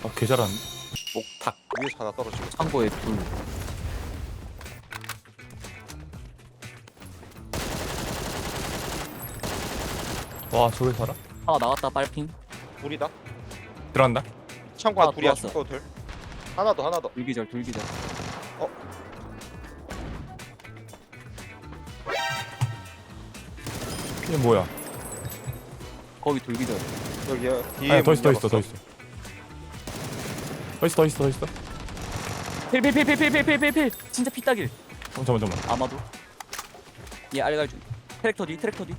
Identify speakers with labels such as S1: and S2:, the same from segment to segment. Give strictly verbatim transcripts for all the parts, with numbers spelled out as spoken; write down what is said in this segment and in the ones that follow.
S1: 아, 개 잘하는데?
S2: 목탁 위에서 하나 떨어지고.
S3: 창고에 둘.
S1: 와, 저게 살아?
S3: 하나 나갔다 빨핑.
S2: 둘이다.
S1: 들어간다?
S2: 창고 한
S3: 아,
S2: 둘이야.
S3: 들어왔어.
S2: 창고 둘. 하나 더 하나 더.
S3: 둘기절 둘기절.
S1: 이게 뭐야?
S3: 거기 둘기절.
S2: 여기야. 뒤에
S1: 아니, 더
S2: 문
S1: 있어, 더 있어,
S2: 열었어.
S1: 더 있어. 더 있어, 더 있어, 더 있어.
S3: 필필필필필필필필. 진짜 피따길.
S1: 어, 잠깐만, 잠깐만.
S3: 아마도. 얘 알갈 중. 트랙터 뒤 트랙터 뒤.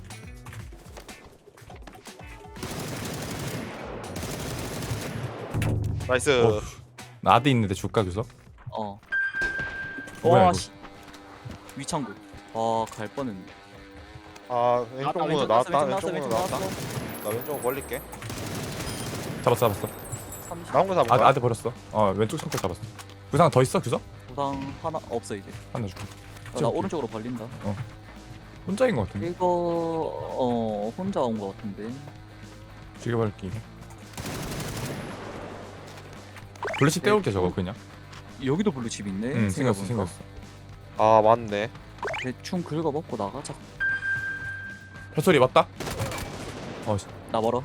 S2: 나이스.
S1: 어. 나 아드 있는데 줄까, 교서?
S3: 어.
S1: 뭐야,
S3: 와
S1: 이거?
S3: 씨. 위창고. 아갈 뻔했네.
S2: 아 왼쪽
S3: 나왔다,
S2: 문으로
S3: 왼쪽
S2: 나왔다.
S3: 나왔어,
S2: 왼쪽
S3: 왼쪽
S2: 문으로
S3: 나왔어,
S2: 나왔다.
S3: 왼쪽
S2: 나 왼쪽 벌릴게.
S1: 잡았어, 잡았어.
S3: 삼십.
S2: 나온 거 잡은
S1: 아,
S2: 거야?
S1: 아드 버렸어. 어, 왼쪽 창고 잡았어. 부상 더 있어, 교서?
S3: 부상 하나 없어 이제.
S1: 하나 줄게.
S3: 아, 나 오른쪽으로 벌린다.
S1: 혼자인 것 같은데?
S3: 이거 어 혼자 온 거 같은데.
S1: 죽여버릴게, 이거. 블루칩 떼올게, 저거, 그냥.
S3: 여기도 블루 집 있네.
S1: 응, 생겼어,
S3: 생각해보니까.
S1: 생겼어.
S2: 아 맞네.
S3: 대충 긁어 먹고 나가자.
S1: 발소리 맞다? 어, 씨.
S3: 나 멀어.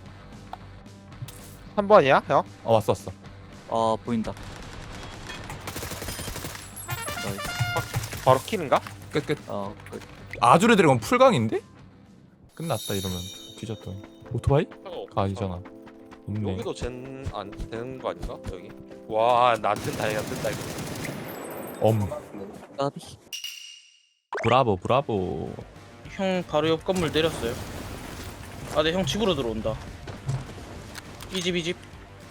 S2: 한 번이야 형?
S1: 어, 왔어, 왔어.
S3: 아 보인다. 나이스.
S2: 바로 키는가?
S1: 끝, 끝.
S3: 아 끝.
S1: 아주르 드래곤 풀강인데? 끝났다, 이러면. 뒤졌더니. 오토바이? 가 아니잖아. 없네.
S2: 여기도 젠안 되는 거 아닌가? 여기. 와나 뜬다 이거 뜬다 이거.
S1: 엄.
S3: 까비.
S1: 브라보, 브라보.
S4: 형 바로 옆 건물 내렸어요. 아, 네, 형 집으로 들어온다. 이 집, 이 집.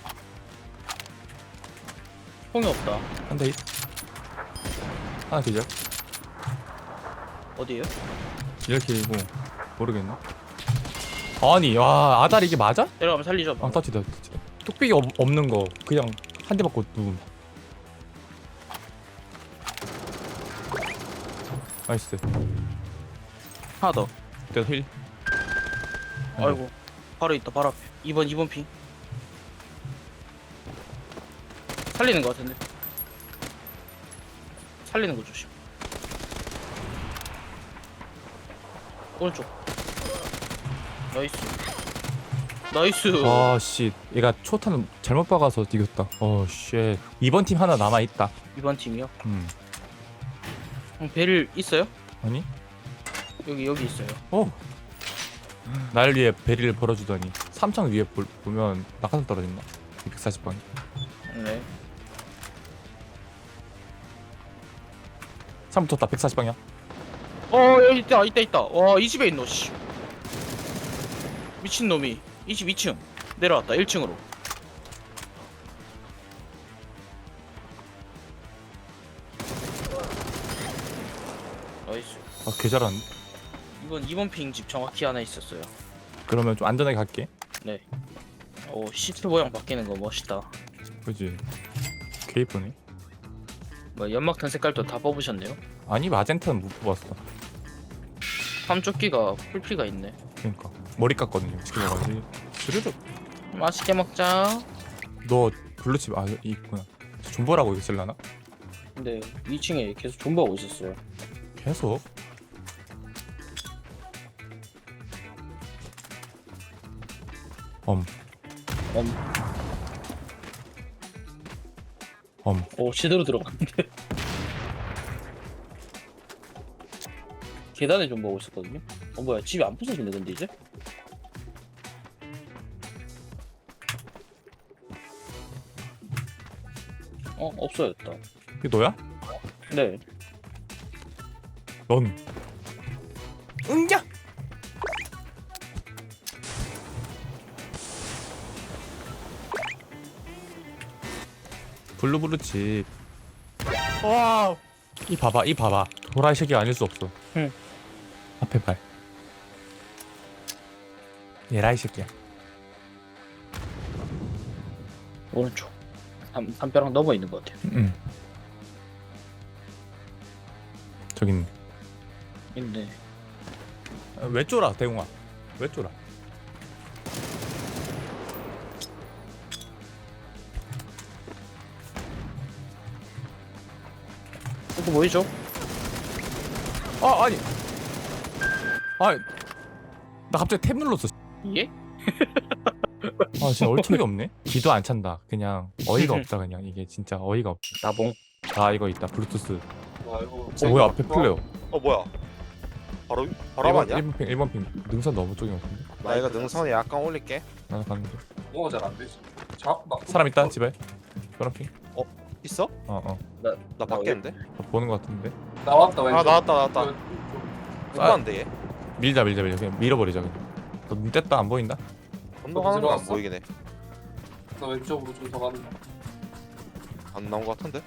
S4: 형이 없다.
S1: 한 대. 하나 기절.
S4: 어디에요?
S1: 이렇게이고 모르겠나? 아니, 와, 아달 이게 맞아?
S4: 내려가면 살리죠.
S1: 아, 터치다, 터치다. 뚝배기 없, 없는 거 그냥 한 대 맞고 누움. 나이스.
S4: 하나 더.
S1: 내가 힐.
S4: 아이고. 바로 있다, 바로 앞에. 이 번, 이 번 핑. 살리는 거 같은데. 살리는 거 조심. 오른쪽. 나이스. 나이스.
S1: 아, 씨. 얘가 초탄 잘못 박아서 이겼다. 어, 쉣. 이번 팀 하나 남아 있다.
S4: 이번 팀이요.
S1: 음.
S4: 형 베릴 있어요?
S1: 아니?
S4: 여기 여기 있어요.
S1: 어. 날 위해 베리를 벌어주더니 삼창 위에 볼, 보면 낙하산 떨어진다. 이백사십 번.
S4: 네.
S1: 삼 붙었다. 백사십 방향.
S4: 어 여기 있다 있다 있다. 와 이 집에 있노 씨. 미친 놈이 이 집 이 층 내려왔다 일 층으로. 나이스.
S1: 아, 개 잘하는데?
S4: 이번 이번 핑 집 정확히 하나 있었어요.
S1: 그러면 좀 안전하게 갈게.
S4: 네. 오 시트 모양 바뀌는 거 멋있다.
S1: 그지? 개 이쁘네.
S4: 뭐 연막탄 색깔도 다 뽑으셨네요.
S1: 아니, 마젠타는 못 뽑았어.
S4: 삼조끼가 풀피가 있네.
S1: 그러니까 머리 깎거든요. 시켜가지고 스르륵.
S4: 맛있게 먹자.
S1: 너 블루칩 아 있구나. 존버라고 이거 쓸라나?
S4: 근데 이 층에 계속 존버하고 있었어요.
S1: 계속. 엄.
S4: 엄.
S1: 엄.
S4: 오 제대로 들어갔는데. 계단에 존버하고 있었거든요. 어 뭐야 집이 안 부서지네 근데 이제? 어 없어졌다.
S1: 이게 너야?
S4: 네.
S1: 넌. 응자. 블루블루칩. 와. 이 봐봐, 이 봐봐. 도라이 색이 아닐 수 없어.
S4: 응.
S1: 앞에 발. 얘라 이 새끼야.
S4: 오른쪽. 담, 담벼락 넘어 있는 것 같아요.
S1: 응. 저기 있네.
S4: 있네.
S1: 아, 왜 쫄아, 대웅아? 왜 쫄아?
S4: 그거 보이죠?
S1: 아 아니 아니 나 갑자기 탭 눌렀어.
S4: 예?
S1: 아 진짜 얼척이 없네. 기도 안 찬다. 그냥 어이가 없다. 그냥 이게 진짜 어이가 없다.
S4: 나봉.
S1: 아 이거 있다 블루투스.
S5: 아 이거
S1: 어 뭐야 앞에 플레어.
S2: 어 뭐야? 바로 바로 아니야?
S1: 일 번 핑 일 번 핑 능선 너무 쪽인 것 같은데.
S2: 나 이거 능선에 약간 올릴게.
S1: 나도 가는 중.
S5: 뭐가 잘 안 되지. 자꾸 막
S1: 사람 있다 집에. 노란 핑.
S2: 있어?
S1: 어어
S2: 나 밖에 있는데?
S1: 보는 것 같은데.
S5: 나왔다 왼쪽.
S2: 아 나왔다 나왔다.
S5: 왼쪽.
S2: 못봤는데 얘.
S1: 밀자 밀자 밀자 그냥 밀어버리자 그냥. 너눈 뗐다 안 보인다?
S2: 건너가는 거 안
S5: 들어갔어?
S2: 보이긴 해.
S5: 나 왼쪽으로 좀 더 간다.
S2: 안 나온 거 같은데?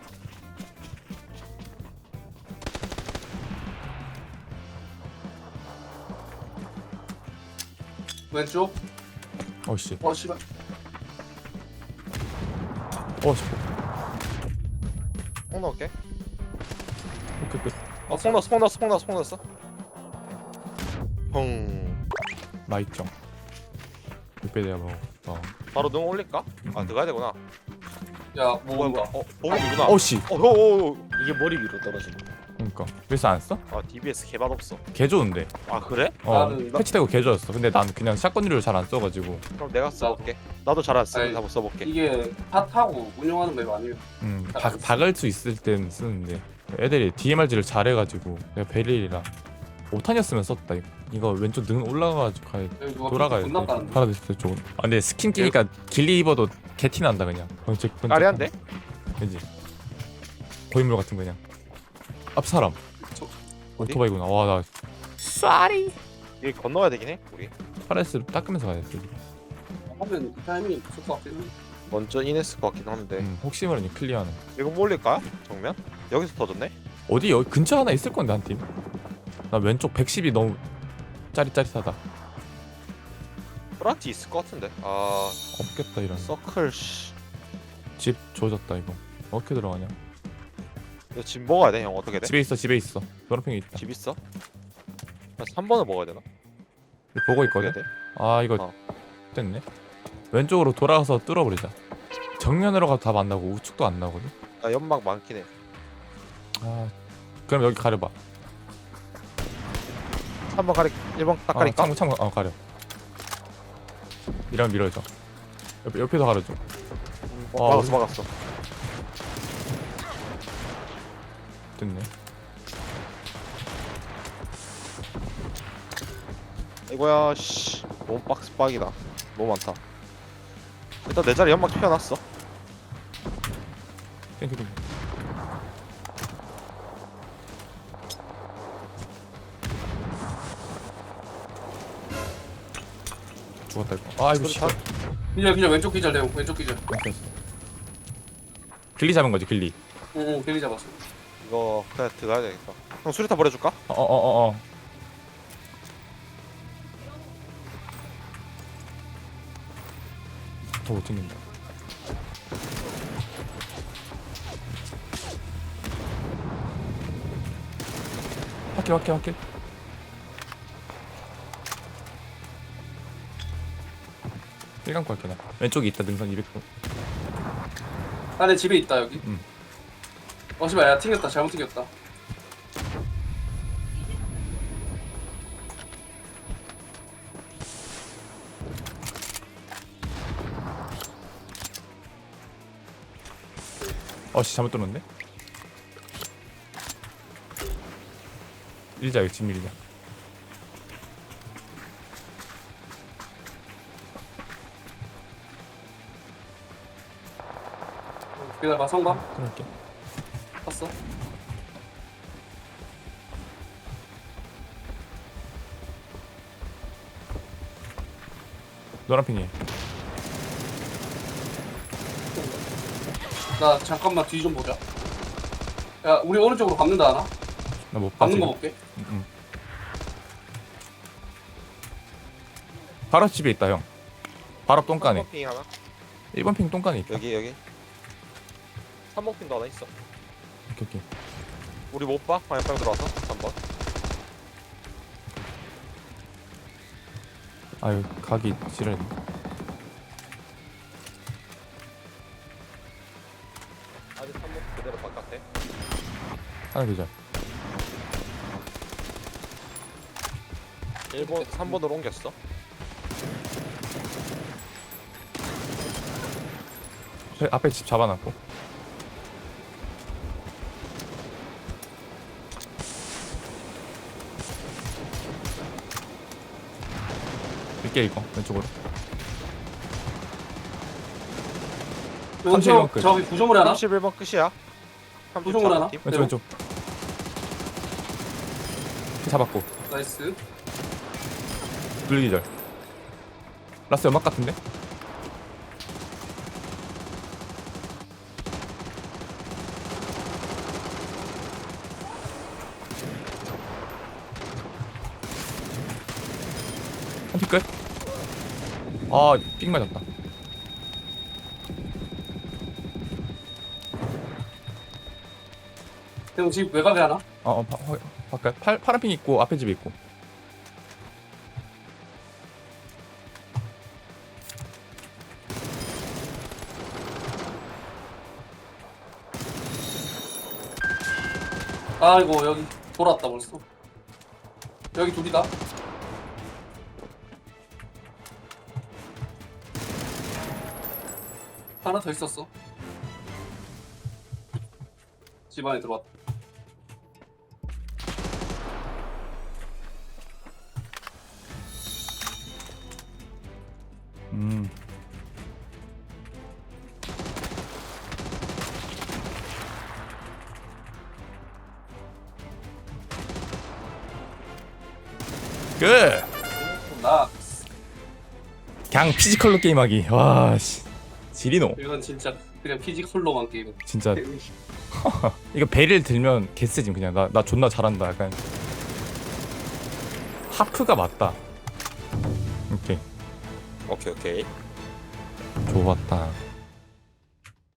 S5: 왼쪽.
S1: 어씨
S5: 어 씨발.
S1: 어씨
S2: 뽕 넣을게.
S1: 오케이 끝.
S2: 어, 뽕 넣었어, 뽕 넣었어, 뽕 넣었어, 뽕 넣었어. 펑.
S1: 마이정. 육배 내가 뭐. 어.
S2: 바로 능 올릴까? 아, 들어가야 되구나.
S5: 야
S2: 뭐야,
S5: 모은다.
S2: 뭐야. 어, 보이구나.
S1: 어씨.
S2: 어, 어, 어, 어.
S4: 이게 머리 위로 떨어지는.
S1: 그러니까 그래서 안 써?
S2: 아, 디비에스 개맛 없어.
S1: 개 좋은데.
S2: 아, 그래?
S1: 어
S5: 나는-
S1: 패치되고 개 좋았어. 근데 난 그냥 샷건류를 잘 안 써가지고.
S2: 그럼 내가 써볼게. 나도 잘 안 쓰고
S5: 아니,
S2: 한번 써볼게.
S5: 이게 핫하고 운영하는 맵 아니에요.
S1: 음,
S5: 잘
S1: 박,
S5: 안 써.
S1: 박을 수 있을 땐 쓰는데 애들이 디엠알지를 잘해가지고 내가 베릴이라 오 탄이었으면 썼다 이거. 이거 왼쪽 능 올라가가지고 가야
S5: 여기 누가
S1: 돌아가야 돼.
S5: 존나 까는데.
S1: 파라데스 쪽은. 아 근데 스킨 끼니까 길리 입어도 개티 난다 그냥. 번쩍 번쩍.
S2: 까리한데?
S1: 그지. 고인물 같은 거 그냥. 앞 사람.
S5: 저-
S2: 어디?
S1: 오토바이구나. 와 나. 쏘리.
S2: 여기 건너야 되긴 해, 우리.
S1: 파라데스 닦으면서 가야 돼.
S5: 하면 이 타이밍이 좋을 것 같긴 해.
S2: 먼저 인했을 것 같긴 한데.
S1: 음, 혹시 모르니 클리어하는.
S2: 이거 뭐 올릴까? 정면? 여기서 터졌네?
S1: 어디 여기 근처 하나 있을 건데 한 팀. 나 왼쪽 백십이 너무 짜릿짜릿하다.
S2: 프라티 있을 것 같은데. 아,
S1: 없겠다 이런.
S2: 서클, 씨.
S1: 집 조졌다 이거. 어떻게 들어가냐?
S2: 이거 집 먹어야 돼, 형. 어떻게 돼?
S1: 집에 있어 집에 있어. 노란핑이 있다.
S2: 집 있어? 삼 번을 먹어야 되나?
S1: 보고 있거든.
S2: 어떻게 돼?
S1: 아 이거
S2: 어.
S1: 됐네. 왼쪽으로 돌아가서 뚫어버리자. 정면으로 가도 답 안 나고 우측도 안 나거든.
S2: 나 연막 많긴 해.
S1: 아 그럼 여기 가려봐.
S2: 삼 번 가리, 일 번 딱
S1: 아,
S2: 가릴까?
S1: 창문 창문 어 가려. 이러면 밀어줘. 옆 옆에서 가려줘.
S2: 어,
S1: 아,
S2: 막았어, 막았어.
S1: 됐네.
S2: 이거야, 씨. 너무 박스 빡이다. 너무 많다. 일단 내 자리 연막 펴놨어.
S1: 땡큐 땡큐. 죽었다 이거. 아 이거 씨.
S2: 그렇다.
S5: 기절 기절 왼쪽 기절 내고 왼쪽 기절.
S1: 끊겼어. 길리 잡은 거지 길리.
S5: 응 길리 잡았어.
S2: 이거 그냥 들어가야 되겠다. 형 수리타 버려줄까?
S1: 어어어어 어, 어. 더 못 찍는다. 확킬 확킬 확킬. 일감고 할게 나. 왼쪽에 있다 능선 이백 분.
S5: 나내 집에 있다 여기.
S1: 응.
S5: 어 씨발 야 튕겼다 잘못 튕겼다.
S1: 어씨 잘못 뚫었네. 밀자 여기 집 밀자.
S5: 기다려봐 성감
S1: 끊을게.
S5: 봤어.
S1: 노란핑이.
S5: 나 잠깐만 뒤 좀 보자. 야 우리 오른쪽으로 감는다 하나?
S1: 나못 봐.
S5: 감는
S1: 지금.
S5: 거 볼게.
S1: 응, 응. 바로 집에 있다 형. 바로 똥간에.
S2: 삼 번 핑 하나.
S1: 일 번 핑 똥간에 있다.
S2: 여기 여기. 삼 번 핑도 하나 있어.
S1: 오케이 오케이.
S2: 우리 못 봐? 방향 들어와서 삼 번.
S1: 아유 각이 지랄.
S2: 아직 삼 번 그대로 바깥에.
S1: 하나 기절.
S2: 일 번 삼 번으로 옮겼어.
S1: 저 앞에 집 잡아놨고. 밀게 이거 왼쪽으로. 삼십일 번
S5: 왼쪽
S1: 끝.
S5: 저기 구조물에 하나?
S2: 삼십일 번 끝이야.
S5: 구조물 하나?
S2: 팀.
S1: 왼쪽 왼쪽. 잡았고.
S5: 나이스.
S1: 둘 기절. 라스 연막 같은데? 한팀 끝. 아, 삑 맞았다.
S5: 형 집 외곽에 하나?
S1: 어, 어, 바, 화, 바깥 팔 파란 핑 있고 앞에 집에 있고.
S5: 아이고 여기 돌았다 벌써. 여기 둘이다. 하나 더 있었어. 집 안에 들어왔다.
S1: 음. 끝.
S5: 나
S1: 그냥 피지컬로 게임하기. 와, 씨. 지리노.
S5: 이건 진짜 그냥 피지컬로만 게임.
S1: 진짜 이거 배를 들면 개쓰짐 그냥. 나 나 존나 잘한다. 약간 하프가 맞다. 오케이.
S2: 오케이 오케이.
S1: 좋았다.